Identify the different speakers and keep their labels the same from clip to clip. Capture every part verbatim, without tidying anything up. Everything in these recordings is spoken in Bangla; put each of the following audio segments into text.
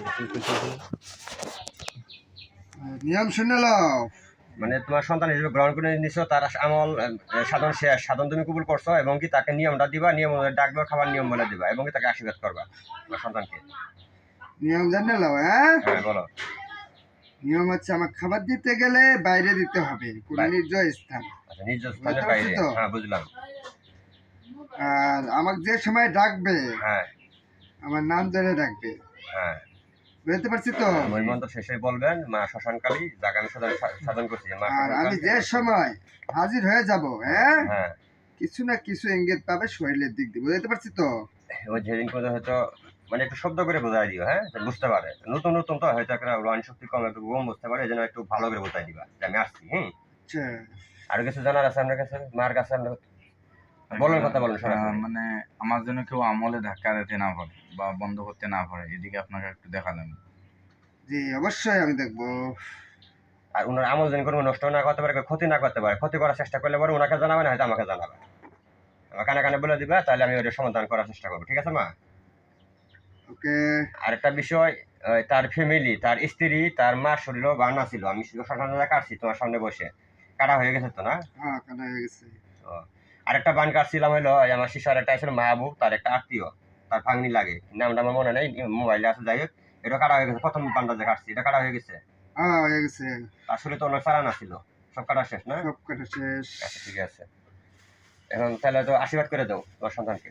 Speaker 1: নিয়ম শুনে লও।
Speaker 2: মানে তোমার সন্তান হিসেবে গ্রহণ করে নিছো, তার আমল আহ, সাধন শেষ, সাধন তুমি কবুল করছো, এবং কি তাকে নিয়মটা দিবা, নিয়ম অনুযায়ী ডাকবা, খাবার নিয়ম বলে দিবা, এবং কি তাকে আশীর্বাদ করবা তোমার সন্তানকে।
Speaker 1: নিয়ম জানে লও। হ্যাঁ,
Speaker 2: হ্যাঁ বলো।
Speaker 1: নিয়ম হচ্ছে আমার খাবার দিতে গেলে বাইরে দিতে হবে, কোন
Speaker 2: বাই-
Speaker 1: নির্জয় স্থান।
Speaker 2: আচ্ছা, নিজ
Speaker 1: বুঝতে
Speaker 2: স্থানের
Speaker 1: পারছি
Speaker 2: বাইরে।
Speaker 1: তো?
Speaker 2: হ্যাঁ বুঝলাম।
Speaker 1: আর আমাকে যে সময় ডাকবে
Speaker 2: হ্যাঁ
Speaker 1: আমার নাম ধরে ডাকবে।
Speaker 2: হ্যাঁ।
Speaker 1: বুঝতে পারছি তো?
Speaker 2: মহিমন্ত্র শেষে বলবেন মা শ্মশানকালী, যাকে আমি সাধন সাধন করছি মা
Speaker 1: আর আমি
Speaker 2: শ্মশানকালী।
Speaker 1: যে সময় হাজির হয়ে যাব, হ্যাঁ,
Speaker 2: হ্যাঁ,
Speaker 1: কিছু না কিছু ইঙ্গিত পাবে শরীরের দিক দিয়ে। বুঝতে পারছি তো?
Speaker 2: ওই যেদিন করে হয়তো মানে একটু শব্দ করে বোঝাই দিও, হ্যাঁ, যে বুঝতে পারে, নতুন নতুন তো হয়তো একটা রোহানি শক্তি কম, একটু কম বুঝতে পারে, এই জন্য একটু ভালো করে বোঝাই দিবা যে আমি আসছি। হুম।
Speaker 1: আচ্ছা,
Speaker 2: আরো কিছু জানার আছে আপনার কাছে, মার কাছে আপনার? বলেন, কথা বলেন
Speaker 3: আহ,
Speaker 2: সরাসরি।
Speaker 3: মানে আমার জন্য কেউ আমলে ধাক্কা দিতে না পারে বা বন্ধ করতে না পারে, এদিকে আপনাকে একটু দেখালাম।
Speaker 1: জি অবশ্যই আমি দেখবো।
Speaker 2: আর ওনার আমল যেন কোনো নষ্ট না করতে পারে, ক্ষতি না করতে পারে, ক্ষতি করার চেষ্টা করলে পরে ওনাকে জানাবে না, হয়তো আমাকে জানাবে, আমার কানে কানে বলে দিবে, তাহলে আমি ওটা সমাধান করার চেষ্টা করবো। ঠিক আছে মা?
Speaker 1: ওকে।
Speaker 2: আরেকটা বিষয়, আহ, তার ফ্যামিলি, তার স্ত্রী, তার মার শরীরও বানা ছিল, আমি শ্মশানে কাটছি তোমার সামনে বসে, কাটা হয়ে গেছে তো না?
Speaker 1: হ্যাঁ, কাটা হয়ে গেছে।
Speaker 2: তো আরেকটা বান কাটছিলাম হলো, এই আমার শিশার একটা ছিল মাহবুব, তার একটা আত্মীয়, তার ভাগ্নি লাগে, নামটা আমার মনে নেই, মোবাইলে আছে, যাই হোক, এটা কাটা হয়ে গেছে, প্রথম বানটা যে কাটছি এটা কাটা হয়ে গেছে।
Speaker 1: হ্যাঁ, হয়ে গেছে।
Speaker 2: আসলে তো অনেক চালান ছিল, সব কাটা শেষ না?
Speaker 1: সব কাটা শেষ।
Speaker 2: আচ্ছা ঠিক আছে, এখন তাহলে তো আশীর্বাদ করে দাও তোমার সন্তানকে।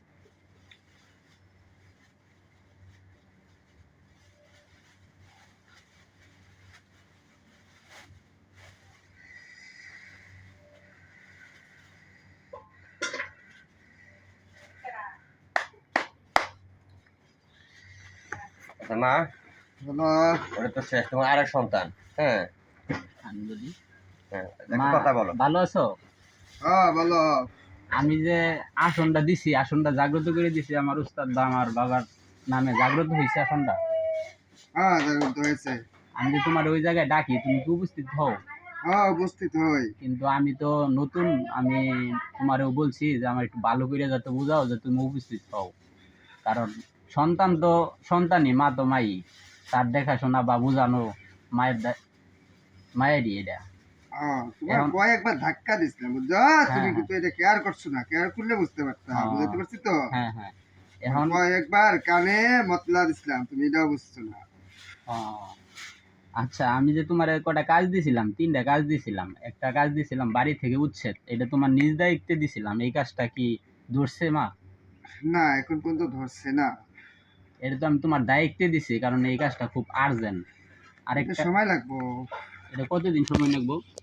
Speaker 2: আচ্ছা মা,
Speaker 1: বলো।
Speaker 2: ওটা তো শেষ, তোমার আরেক সন্তান। হ্যাঁ
Speaker 4: আমি বলি,
Speaker 2: হ্যাঁ,
Speaker 4: মা
Speaker 2: একটা কথা বলো।
Speaker 4: ভালো আছো?
Speaker 1: হ্যাঁ, বলো।
Speaker 4: আমি যে আসনটা দিছি, আসনটা জাগ্রত করে দিছি আমার উস্তাদ বা আমার বাবার নামে, জাগ্রত হয়েছে আসনটা।
Speaker 1: হ্যাঁ, জাগ্রত হয়েছে।
Speaker 4: আমি যে তোমার ওই জায়গায় ডাকি, তুমি কি উপস্থিত হও?
Speaker 1: হ্যাঁ, উপস্থিত হই।
Speaker 4: কিন্তু আমি তো নতুন, আমি তোমারও বলছি যে আমার একটু ভালো করে যাতে বোঝাও যে তুমি উপস্থিত হও, কারণ সন্তান তো সন্তানই, মা তো মাই, তার দেখাশোনা বা বোঝানো মায়ের দা- মায়েরই এটা।
Speaker 1: হ্যাঁ, তোমার
Speaker 4: এখন-
Speaker 1: কয়েকবার ধাক্কা দিছিলাম, বুঝছো? তুমি
Speaker 4: হ্যাঁ,
Speaker 1: কিন্তু এটা কেয়ার করছো না, কেয়ার করলে বুঝতে পারতাম।
Speaker 4: হ্যাঁ।
Speaker 1: বুঝতে পারছি তো?
Speaker 4: হ্যাঁ হ্যাঁ। এখন
Speaker 1: কয়েকবার কানে মতলা দিছিলাম, তুমি এটাও বুঝছো না।
Speaker 4: ও, আচ্ছা, আমি যে তোমার কটা কাজ দিছিলাম, তিনটা কাজ দিছিলাম, একটা কাজ দিছিলাম বাড়ি থেকে উচ্ছেদ, এটা তোমার নিজ দায়িত্বে দিছিলাম, এই কাজটা কি ধরছে মা?
Speaker 1: না, এখন পর্যন্ত ধরছে না।
Speaker 4: এটা তো আমি তোমার দায়িত্বে দিছি, কারণ এই কাজটা খুব আর্জেন্ট।
Speaker 1: এটা
Speaker 4: আরেকটা,
Speaker 1: সময় লাগবো।
Speaker 4: এটা কতদিন সময় লাগবো?